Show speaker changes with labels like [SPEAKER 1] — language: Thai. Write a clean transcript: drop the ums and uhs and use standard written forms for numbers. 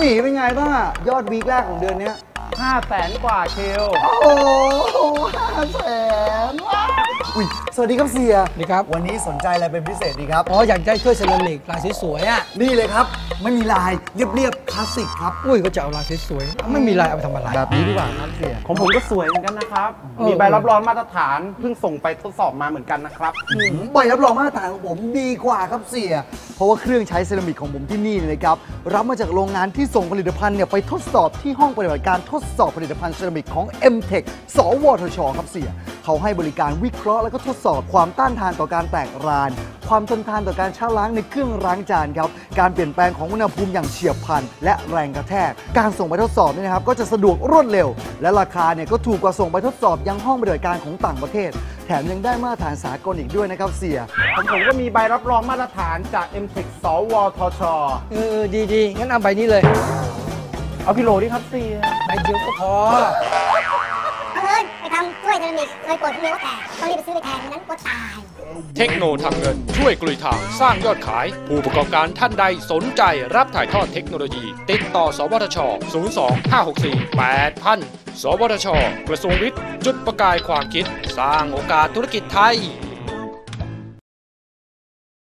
[SPEAKER 1] นี่เป็นไงบ้างยอดวีคแรกของเดือนนี้
[SPEAKER 2] 500,000 กว่าคิว
[SPEAKER 1] โอ้โห500,000อุ้ยสวัสดีครับเสีย
[SPEAKER 3] ดีครับ
[SPEAKER 1] วันนี้สนใจอะไรเป็นพิเศษดีครับ
[SPEAKER 3] อยากได้ถ้วยเซรามิกลายสวยๆอ่ะ
[SPEAKER 1] นี่เลยครับไม่มีลายเรียบๆคลาสสิกครับ
[SPEAKER 3] อุ้ยก็จะเอาลายสวยๆไม่มีลายเอาไปทำอะไร
[SPEAKER 1] แบบนี้ดีกว่าครับเสีย
[SPEAKER 2] ของผมก็สวยเหมือนกันนะครับมีใบรับรองมาตรฐานเพิ่งส่งไปทดสอบมาเหมือนกันนะครับ
[SPEAKER 1] ใบรับรองมาตรฐานของผมดีกว่าครับเสียเพราะว่าเครื่องใช้เซรามิกของผมที่นี่เลยครับรับมาจากโรงงานที่ส่งผลิตภัณฑ์เนี่ยไปทดสอบที่ห้องปฏิบัติการทดสอบผลิตภัณฑ์เซรามิกของ M-Tech สวทชครับเสียเขาให้บริการวิเคราะห์และก็ทดสอบความต้านทานต่อการแตกรานความทนทานต่อการชะล้างในเครื่องล้างจานครับการเปลี่ยนแปลงของอุณหภูมิอย่างเฉียบพลันและแรงกระแทกการส่งไปทดสอบนี่นะครับก็จะสะดวกรวดเร็วและราคาเนี่ยก็ถูกกว่าส่งไปทดสอบยังห้องปฏิบัติการของต่างประเทศแถมยังได้มาตรฐานสากลอีกด้วยนะครับเสีย
[SPEAKER 2] ผมก็มีใบรับรองมาตรฐานจาก M-Tech สวทช
[SPEAKER 3] ดีงั้นเอาใบนี้เลย
[SPEAKER 2] เอากิโลดิครับเสีย
[SPEAKER 3] ใบเดียวก็พอ
[SPEAKER 4] ไปทำถ้วยเซรามิกเลยกดเนื้อแตกต้องรีบไปซื้อไปแทนนั้นก็ตาย
[SPEAKER 5] เทคโนทำเงินช่วยกลุยทางสร้างยอดขายผู้ประกอบการท่านใดสนใจรับถ่ายทอดเทคโนโลยีติดต่อสวทช 02-564-8000 สวทช กระทรวงวิทย์จุดประกายความคิดสร้างโอกาสธุรกิจไทย